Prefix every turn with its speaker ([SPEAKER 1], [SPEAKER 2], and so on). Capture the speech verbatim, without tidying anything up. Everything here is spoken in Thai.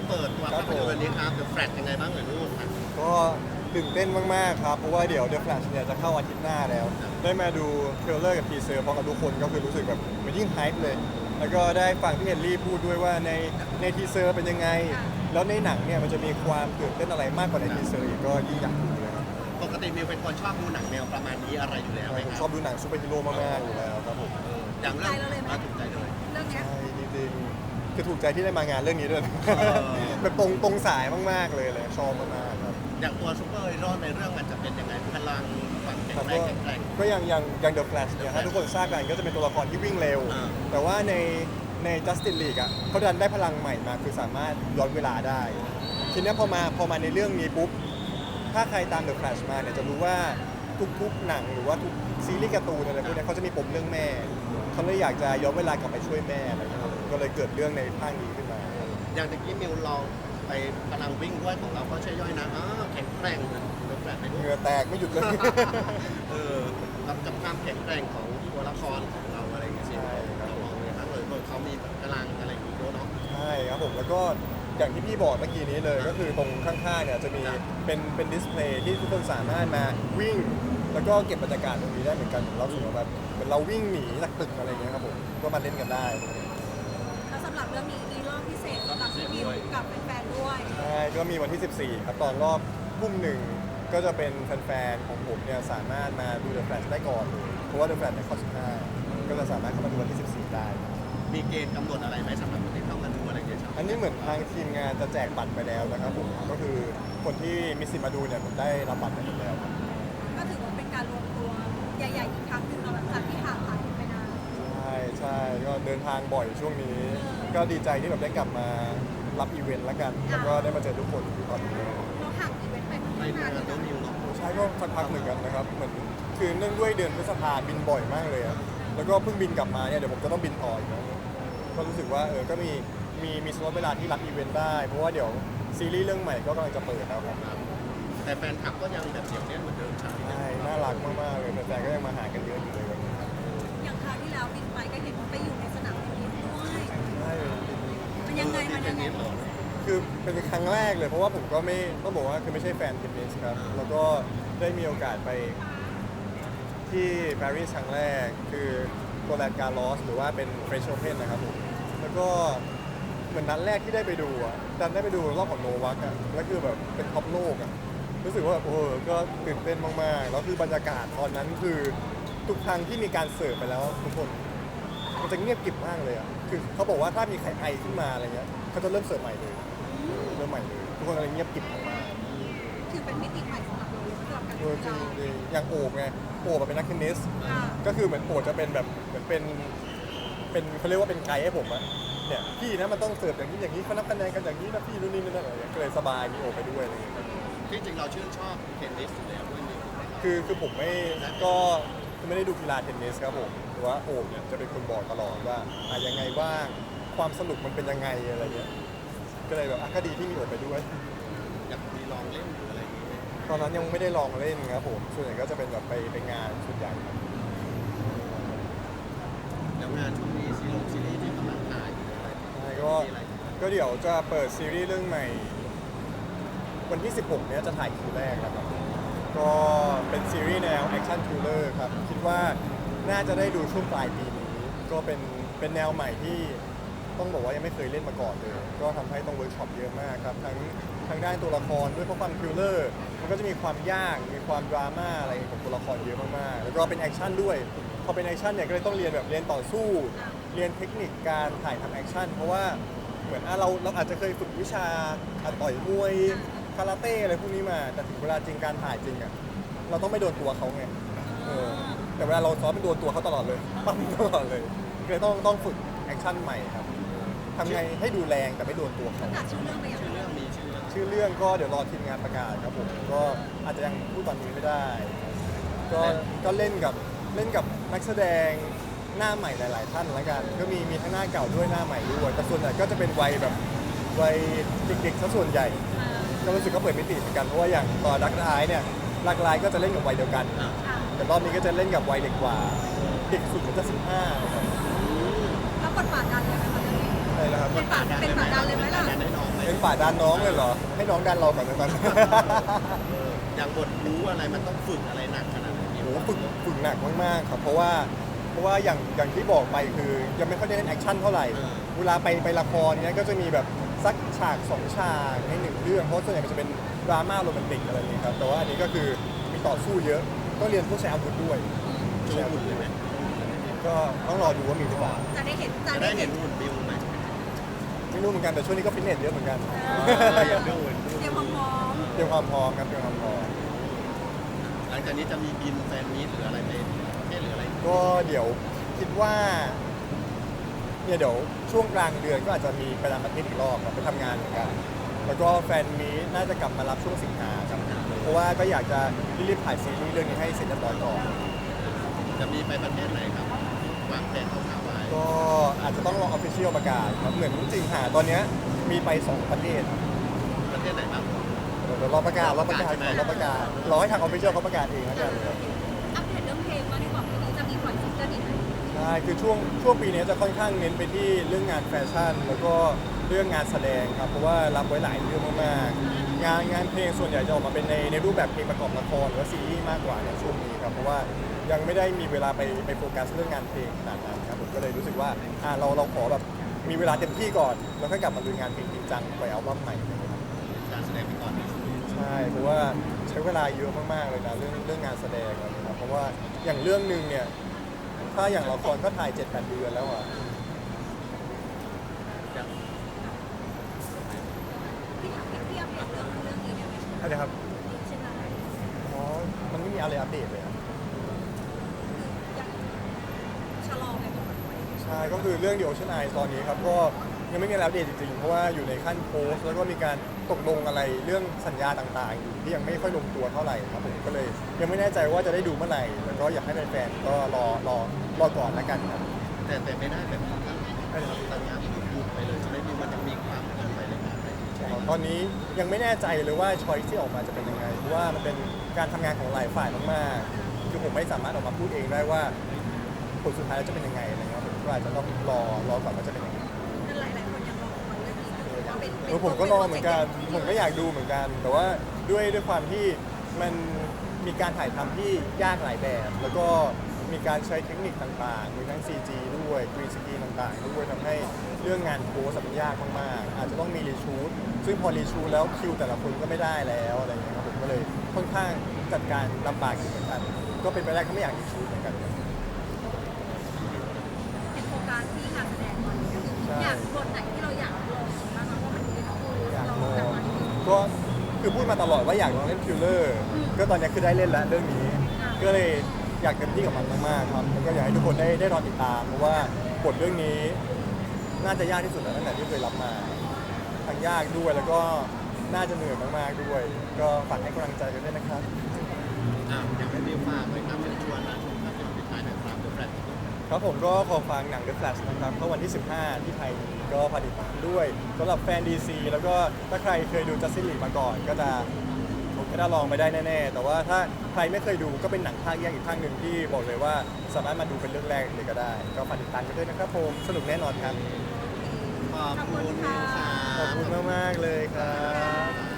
[SPEAKER 1] เปิดตัวภาพยนตร์วันนี้ครับ The Flash ยังไงบ้างเอ่ยลูกครับ
[SPEAKER 2] ก็ตื่นเต้นมากๆครับเพราะว่าเดี๋ยว The Flash เนี่ยจะเข้าอาทิตย์หน้าแล้ว ได้มาดูเทรลเลอร์กับทีเซอร์พร้อมกับทุกคนก็คือรู้สึกแบบมันยิ่งไฮป์เลย แล้วก็ได้ฟังพี่เฮนรี่พูดด้วยว่าในในทีเซอร์เป็นยังไง แล้วในหนังเนี่ยมันจะมีความตื่นเต้นอะไรมากกว่าในทีเซอร์อีกก็ยิ่งอยากดูเลยครับ
[SPEAKER 1] ปกติมิวเป็นคนชอบดูหนังแนวประมาณนี้อะไรอยู่แล้วไหม
[SPEAKER 2] ผม
[SPEAKER 1] ค
[SPEAKER 2] ช
[SPEAKER 1] รั
[SPEAKER 2] อบบ ดูหนังซูเปอร์ฮีโร่มากๆอยู่แล้วครับผม
[SPEAKER 1] อย่างเรื่องมาถูกใจเลย
[SPEAKER 3] เรื่องเนี้ย
[SPEAKER 2] ใช่จริงๆคือถูกใจที่ได้มางานเรื่องนี้ด้วย
[SPEAKER 1] อ
[SPEAKER 2] แบบตรงตรงสายมากๆเลยเลยชอบมากๆครับ
[SPEAKER 1] อย่างตัวซูเปอร์ฮีโร่ในเรื่องมันจะเป็นยังไงพลังความแข็ง
[SPEAKER 2] ครับ
[SPEAKER 1] แร
[SPEAKER 2] ก็
[SPEAKER 1] งแข็งแกร่ง
[SPEAKER 2] ก็อย่างอย่างอย่าง The Flash เนี่ย
[SPEAKER 1] The
[SPEAKER 2] ถ้า
[SPEAKER 1] Flash
[SPEAKER 2] ทุกคนทราบกันก็จะเป็นตัวละครที่วิ่งเร็ว
[SPEAKER 1] อ่า
[SPEAKER 2] แต่ว่าในใน Justice League อ่ะเขาดันได้พลังใหม่มาคือสามารถย้อนเวลาได้ ทีเนี้ยพอมาพอมาในเรื่องนี้ปุ๊บ ถ้าใครตาม The Flash มาเนี่ยจะรู้ว่าทุกๆหนังหรือว่าทุกซีรีส์การ์ตูนอะไรพวกเนี้ยเขาจะมีปมเรื่องแม่เขาเลยอยากจะย้อนเวลากลับไปช่วยแม่อะไรอย่างเงี้ยครับก็เลยเกิดเรื่องในภาคนี้ขึ้นมา
[SPEAKER 1] อย่างตะกี้มิวลองไปพลังวิ่งด้วยของเราก็ใช่ย่อยนะอ๋อแข็งแกร่งเดอะแฟลชไป
[SPEAKER 2] เห
[SPEAKER 1] ด้วย
[SPEAKER 2] งื่อแตกไม่หยุดเลย
[SPEAKER 1] เออกับกับความแข็งแกร่งของตัวละครของเราอะไรอย่างเงี้ยสิ
[SPEAKER 2] ใช่ครับ
[SPEAKER 1] เรามองเลยครับเออเขามีพลังอะไรอย่างงี้ด้วยเนาะ
[SPEAKER 2] ใช่ครับผมแล้วก็อย่างที่พี่บอกเมื่อกี้นี้เลยก็คือตรงข้างๆเนี่ยจะมี
[SPEAKER 1] ครับ
[SPEAKER 2] เป็นเป็นดิสเพลย์ที่ทุกคนสามารถมาวิ่ง แล้วก็เก็บบรรยากาศตรงนี้ได้เหมือนกันเราสึกว่าแบบเหมือนเราวิ่งหนีจากตึกอะไรเงี้ยครับผมก็มาเล่นกันได้
[SPEAKER 3] แล้วสำหรับเรื่องนี้มีรอบพิเศษสำหรับพี่มิวกับแฟนๆด้วย
[SPEAKER 2] ใช่ก็มีวันที่ สิบสี่ ครับตอนรอบทุ่มหนึ่งก็จะเป็นแฟนๆของผมเนี่ยสามารถมาดู The Flash ได้ก่อนเลยเพราะว่า The Flash ในข้อสิบห้าก็จะสามารถเข้ามาดูวันที่ สิบสี่ ได้
[SPEAKER 1] มีเกณฑ์กำหนดอะไรไหมสำหรับคนที่เข้ามาดูอะไรอย่างเงี้ยครับ
[SPEAKER 2] อันนี้เหมือนทางทีมงานจะแจกบัตรไปแล้วนะครับผมก็คือคนที่มีสิทธิ์มาดูเนี่ยผมได้รับบัตรไปหมดแล้วครับ
[SPEAKER 3] ก็ถือว่าเป็นการรวมตัวใหญ่ๆอีกครั้งหนึ่งเราหลังจากที่ห่างหายไปนาน
[SPEAKER 2] ใช่ใช่ก็เดินทางบ่อยช่วงนี้ ก็ดีใจที่แบบได้กลับมารับอีเวนต์แล้วกัน แล้วก็ได้มาเจอทุกคนตอนนี้
[SPEAKER 3] เราห่างอีเวนต์ไปค่อน
[SPEAKER 1] ไม่
[SPEAKER 3] ข้าง
[SPEAKER 1] เมื่
[SPEAKER 3] นาน
[SPEAKER 1] อ
[SPEAKER 3] อยู่
[SPEAKER 1] น้อง
[SPEAKER 3] นะ
[SPEAKER 1] มิวเนาะ
[SPEAKER 2] ใช่ก็สักพักเหมือนกันนะครับ เหมือนคือเนื่องด้วยเดือนพฤษภาบินบ่อยมากเลยอะแล้วก็เพิ่งบินกลับมาเนี่ยเดี๋ยวผมจะต้องบินต่ออีกแล้วก็รู้สึกว่าเออก็มีมีมีสล็อตเวลาที่รับอีเวนต์ได้ เพราะว่าเดี๋ยวซีรีส์เรื่องใหม่ก็กำลังจะเปิดแล้วครับ
[SPEAKER 1] ครับแต่แฟนคลับก็ยังแบบเสียวแน่นเหมือนเดิมใช่ไหม
[SPEAKER 2] ใช่น่ารักมากๆเลยแฟนๆก็ยังมาหากันเยอะอยู่เลยวันนี้ครับ
[SPEAKER 3] อย่างคราวที่แล้วบินไปก็เห็นว่าไปอยู่ในสนามเทนนิสด้วย
[SPEAKER 2] ใช่
[SPEAKER 3] มันยังไงมันยังไง
[SPEAKER 2] คือเป็นครั้งแรกเลยเพราะว่าผมก็ไม่ต้องบอกว่าคือไม่ใช่แฟนเทนนิสครับแล้วก็ได้มีโอกาสไปที่ปารีสครั้งแรกคือโรแลนด์การ์ลอสหรือว่าเป็นเฟรนช์โอเพนนะครับผมแล้วก็เหมือนนัดแรกที่ได้ไปดูอ่ะดันได้ไปดูรอบของโนวัคอ่ะแล้วคือแบบเป็นท็อปโลกอ่ะรู้สึกว่าแบบโอ้โหก็ตื่นเต้นมากๆแล้วคือบรรยากาศตอนนั้นคือทุกครั้งที่มีการเสิร์ฟไปแล้วทุกคนมันจะเงียบกริบมากเลยอ่ะคือเขาบอกว่าถ้ามีใครไอขึ้นมาอะไรเงี้ยเขาจะเริ่มเสิร์ฟใหม่เลยเริ่มใหม่เลยทุกคนอะไรเงียบกริบมาก
[SPEAKER 3] คือเป็นมิติใหม่สำหรับเราเลยสำหรับการ
[SPEAKER 2] ๆเออจริงจริงอย่างโอบไงโอบอะเป็นนักเทนนิส
[SPEAKER 3] อ่า
[SPEAKER 2] ก็คือเหมือนโอบจะเป็นแบบเหมือนเป็นเป็นเขาเรียกว่าเป็นไกด์ให้ผมอะเนี่ยพี่นะมันต้องเสิร์ฟอย่างนี้อย่างนี้เขานับคะแนนกันอย่างนี้นะพี่นู่นนี่นั่นอะไรอย่างเงี้ยก็เลยสบายมีโอบไปด้วยอะไรอย่างเงี้ยครับ
[SPEAKER 1] ที่จริงเราชื่นชอบเทนนิสอยู่แล้วด้วยนี่ถูกไหมครับ
[SPEAKER 2] คือคือผมไม่ก็ไม่ได้ดูกีฬาเทนนิสครับผมแต่ว่าโอบเนี่ยจะเป็นคนบอกตลอดว่าอะยังไงบ้างความสนุกมันเป็นยังไงอะไรเงี้ยก็เลยแบบอ่ะก็ดีที่มีโอบไปด้วย
[SPEAKER 1] อยากมีลองเล่นหรืออะไรอย่างงี้ไหม
[SPEAKER 2] ตอนนั้นยังไม่ได้ลองเล่นครับผมส่วนใหญ่ก็จะเป็นแบบไปไปงานส่วนใหญ่ครับ
[SPEAKER 1] แล้วงานช่วงนี้ซีรีส์ซีรีส์ที่กำลังถ่ายอยู่อะไร
[SPEAKER 2] ใช่ก็
[SPEAKER 1] มีอะไรอยู่ไหม
[SPEAKER 2] ก็เดี๋ยวจะเปิดซีรีส์เรื่องใหม่ วันที่ สิบหก เนี้ยจะถ่ายคิวแรกแล้วครับก็เป็นซีรีส์แนวแอคชั่นทริลเลอร์ครับคิดว่าน่าจะได้ดูช่วงปลายปีนี้ ก็เป็นเป็นแนวใหม่ที่ต้องบอกว่ายังไม่เคยเล่นมาก่อนเลย ก็ทำให้ต้องเวิร์กช็อปเยอะมากครับทั้งทั้งด้านตัวละครด้วยเพราะความทริลเลอร์มันก็จะมีความยากมีความดราม่าอะไรของตัวละครเยอะมากๆแล้วก็เป็นแอคชั่นด้วยพอเป็นแอคชั่นเนี่ยก็เลยต้องเรียนแบบเรียนต่อสู้ เรียนเทคนิคการถ่ายทำแอคชั่นเพราะว่าเหมือนอ่ะเราเราอาจจะเคยฝึกวิชาอ่ะต่อยมวยคาราเต้อะไรพวกนี้มาแต่ถึงเวลาจริงการถ่ายจริงอ่ะเราต้องไม่โดนตัวเขาไงเออแต่เวลาเราซ้อมเป็นโดนตัวเขาตลอดเลยปั้มตลอดเลยก็เลยต้องต้องฝึกแอคชั่นใหม่ครับทำไงให้ดูแรงแต่ไม่โดนตัวเขา
[SPEAKER 3] ประกาศชื่อเรื่องไปอย่าง
[SPEAKER 1] ชื่อเรื่องมีชื่อเรื่อง
[SPEAKER 2] ชื่อเรื่องก็เดี๋ยวรอทีมงานประกาศครับผมก็อาจจะยังพูดตอนนี้ไม่ได้ ก็ก็เล่นกับเล่นกับนักแสดงหน้าใหม่หลาย ๆ ท่านแล้วกันก็มีมีทั้งหน้าเก่าด้วยหน้าใหม่ด้วยแต่ส่วนใหญ่ก็จะเป็นวัยแบบวัยเด็กๆซะส่วนใหญ่ ก็รู้สึกก็เปิดมิติเหมือนกันเพราะว่าอย่างตอนรักร้ายเนี่ยรักร้ายก็จะเล่นกับวัยเดียวกัน
[SPEAKER 1] อ่ะ
[SPEAKER 3] อ่ะ
[SPEAKER 2] แต่รอบนี้ก็จะเล่นกับวัยเด็กกว่าเด็กสุดมันจะสิบห้า
[SPEAKER 3] แล้วบทบาทดันเลยไหมคะเรื่องนี้
[SPEAKER 2] อะไรนะครับ
[SPEAKER 3] เป็นบาทเป็นบาทดันเลยไหมล่ะ
[SPEAKER 1] ดันให้น้องไหม
[SPEAKER 2] เป็นฝ่ายดันน้องเลยเหรอ ให้น้องดันเราก่อนนะตอนนี้
[SPEAKER 1] เอออย่างบทรู้อะไรมันต้องฝึกอะไรหนักขนาดไหน
[SPEAKER 2] โอ้โหฝึกฝึกหนักมากๆครับเพราะว่าเพราะว่าอย่างอย่างที่บอกไปคือยังไม่ค่อยได้เล่นแอคชั่นเท่าไหร่เวลาไปไปละครเนี้ยก็จะมีแบบสักฉากสองฉากในหนึ่งเรื่องเพราะส่วนใหญ่มันจะเป็นดราม่าโรแมนติกอะไรอย่างเงี้ยครับแต่ว่าอันนี้ก็คือมีต่อสู้เยอะต้องเรียนพวกใช้อาวุธด้วย
[SPEAKER 1] โชว์หุ่นเลยไหม
[SPEAKER 2] ก็ต้องรอดูว่ามีหรือเปล่า
[SPEAKER 3] จะได้เห็นจะ
[SPEAKER 1] จะ
[SPEAKER 3] ได้
[SPEAKER 1] ได้
[SPEAKER 3] เห็
[SPEAKER 1] เห็
[SPEAKER 3] น
[SPEAKER 1] นหุ่นบิวไหม
[SPEAKER 2] ไม่รู้เหมือนกันแต่ช่วงนี้ก็ฟิตเนสเยอะเหมือนกัน
[SPEAKER 1] อยากดูหุ่น
[SPEAKER 3] เตรียมความพร้อม
[SPEAKER 2] เตรียมความพร้อมครับเตรียมความพร้อม
[SPEAKER 1] หลังจากนี้จะมีบินแฟนมีตหรืออะไรไปประเทศหรืออะไร
[SPEAKER 2] ก็เดี๋ยวคิดว่าเนี่ยเดี๋ยวช่วงกลางเดือนก็อาจจะมีไปต่างประเทศอีกรอบครับไปทำงานเหมือนกัน แล้วก็แฟนมีตน่าจะกลับมารับช่วงสิงหาครับเพราะว่าก็อยากจะรีบๆถ่ายซีรีส์เรื่องนี้ให้เสร็จเรียบร้อยก่อน
[SPEAKER 1] จะมีไปประเทศไหนครับวางแผนคร่าวๆไว้
[SPEAKER 2] ก็อาจจะต้องรอออฟฟิเชียลประกาศครับเหมือนสิงหาตอนเนี้ยมีไปสองประเทศ
[SPEAKER 1] ประเทศไหนบ้าง
[SPEAKER 2] เดี๋ยวรอประกาศรอประกาศ
[SPEAKER 1] ใช่ไหม
[SPEAKER 2] รอประกาศรอให้ทางออฟฟิเชียลเขาประกาศเองแล้วกันครับ
[SPEAKER 3] อัปเดตเรื่องเพลงว่าที่บอกปีนี้จะมีปล่อยซิงเกิลอีกไหม
[SPEAKER 2] ใช่คือช่วงช่วงปีนี้จะค่อนข้างเน้นไปที่เรื่องงานแฟชั่น แล้วก็เรื่องงานแสดงครับเพราะว่ารับไว้หลายเรื่องมากๆงานงานเพลงส่วนใหญ่จะออกมาเป็นในในรูปแบบเพลงประกอบละครหรือว่าซีรีส์มากกว่าในช่วงนี้ครับเพราะว่ายังไม่ได้มีเวลาไปไปโฟกัสเรื่องงานเพลงขนาดนั้นครับผมก็เลยรู้สึกว่าอ่าเราเราขอแบบมีเวลาเต็มที่ก่อนแล้วค่อยกลับมาลุยงานเพลงจริงจังไปอัลบั้มใหม่อะไรอย่างเงี้ยครับ
[SPEAKER 1] การแสดงไปก่อน
[SPEAKER 2] ใช่เพราะว่าใช้เวลาเยอะมากๆเลยนะเรื่องเรื่องงานแสดงอะไรนะครับเพราะว่าอย่างเรื่องหนึ่งเนี่ยถ้าอย่างละครก็ถ่าย เจ็ดแปด เดือนแล้วอ่ะ
[SPEAKER 1] อย่าง
[SPEAKER 3] พี่ถามพี่อัปเดตเรื่องเรื่องนี้ได้ไหม
[SPEAKER 2] อะไรครับ
[SPEAKER 3] ใช่ไหม
[SPEAKER 2] อ๋อมันไม่มีอะไรอัปเดตเลยครับ
[SPEAKER 3] ยังชะลอไปก่อนไว้
[SPEAKER 2] ใช่ก็คือเรื่อง The Ocean Eyes ตอนนี้ครับก็ยังไม่มีอะไรอัปเดตจริงๆเพราะว่าอยู่ในขั้นโพสต์แล้วก็มีการตกลงอะไรเรื่องสัญญาต่างๆอยู่ที่ยังไม่ค่อยลงตัวเท่าไหร่ครับผมก็เลยยังไม่แน่ใจว่าจะได้ดูเมื่อไหร่แล้วก็อยากให้แฟนๆก็รอรอรอก่อนแล้วกันครับ
[SPEAKER 1] แต่แต่ไม่ได้แบบนั้น
[SPEAKER 2] ใช่ครับ
[SPEAKER 1] สัญญาหยุดไปเลยใช่ไหมพี่มันยังมีความเกินไปเลยครับ
[SPEAKER 2] ตอนนี้ยังไม่แน่ใจเลยว่าช้อยที่ออกมาจะเป็นยังไงเพราะว่ามันเป็นการทำงานของหลายฝ่ายมากๆคือผมไม่สามารถออกมาพูดเองได้ว่าผลสุดท้ายแล้วจะเป็นยังไงอะไรเงี้ยผมก็อาจจะต้องรอรอก่อนว่าจะเป็นยังไง
[SPEAKER 3] นั่นหลายหลายคนยังรอคอยเรื่องนี้อยู่ว่าเป็น
[SPEAKER 2] เออผมก็รอเหมือนกันผมก็อยากดูเหมือนกัน แต่ว่าด้วยด้วยความที่มันมีการถ่ายทำที่ยากหลายแบบ แล้วก็มีการใช้เทคนิคต่างๆมีทั้ง ซี จี ด้วยกรีนสกรีนต่างๆด้วยทำให้เรื่องงานโพสมันยากมากๆอาจจะต้องมีรีชูตซึ่งพอรีชูตแล้วคิวแต่ละคนก็ไม่ได้แล้วอะไรอย่างเงี้ยครับผมก็เลยค่อนข้างจัดการลำบากอยู่เหมือนกัน ก็เป็นไปได้ก็ไม่อยากรีชูตเหมือนกัน
[SPEAKER 3] เป็นโครงการที่งานแสดงตอนนี้อยากบทไหนที่เราอยากลองบ้างเพราะมันคือ
[SPEAKER 2] อยาก
[SPEAKER 3] เรา
[SPEAKER 2] ลอง
[SPEAKER 3] แบบว่า
[SPEAKER 2] ก็คือพูดมาตลอดว่าอยากลองเล่นคิลเลอร์ก็ตอนนี้คือได้เล่นแล้วเรื่องนี้ ก็เลยอยากเต็มที่กับมันมากๆครับแล้วก็อยากให้ทุกคนได้ได้รอติดตาม เพราะว่าบทเรื่องนี้น่าจะยากที่สุดแล้วตั้งแต่ที่เคยรับมาทั้งยากด้วยแล้วก็น่าจะเหนื่อยมากๆด้วย ก็ฝากให้กำลังใจกันด้วยนะครับ
[SPEAKER 1] อ่าอยากให้พี่ฝากไว้ครับเชิญชวนนะชมภาพยนตร์ปิดท้ายหนะครับเดอะแฟลช
[SPEAKER 2] ครับผมก็ขอฟังหนัง The Flash นะครับเข้าวันที่ สิบห้า ที่ไทยก็ผลิตามด้วยสำหรับแฟน ดี ซี แล้วก็ถ้าใครเคยดู Justice League มาก่อนก็จะผมก็ได้ลองไปได้แน่ๆ แต่ว่าถ้าใครไม่เคยดูก็เป็นหนังภาคแยกอีกภาคหนึ่งที่บอกเลยว่าสามารถมาดูเป็นเรื่องแรกเลยก็ได้ ก็ฝากติดตามกันด้วยนะครับผมสนุกแน่นอนครับ
[SPEAKER 1] ขอบคุณค่ะ
[SPEAKER 2] ขอบคุณมากๆเลยครับ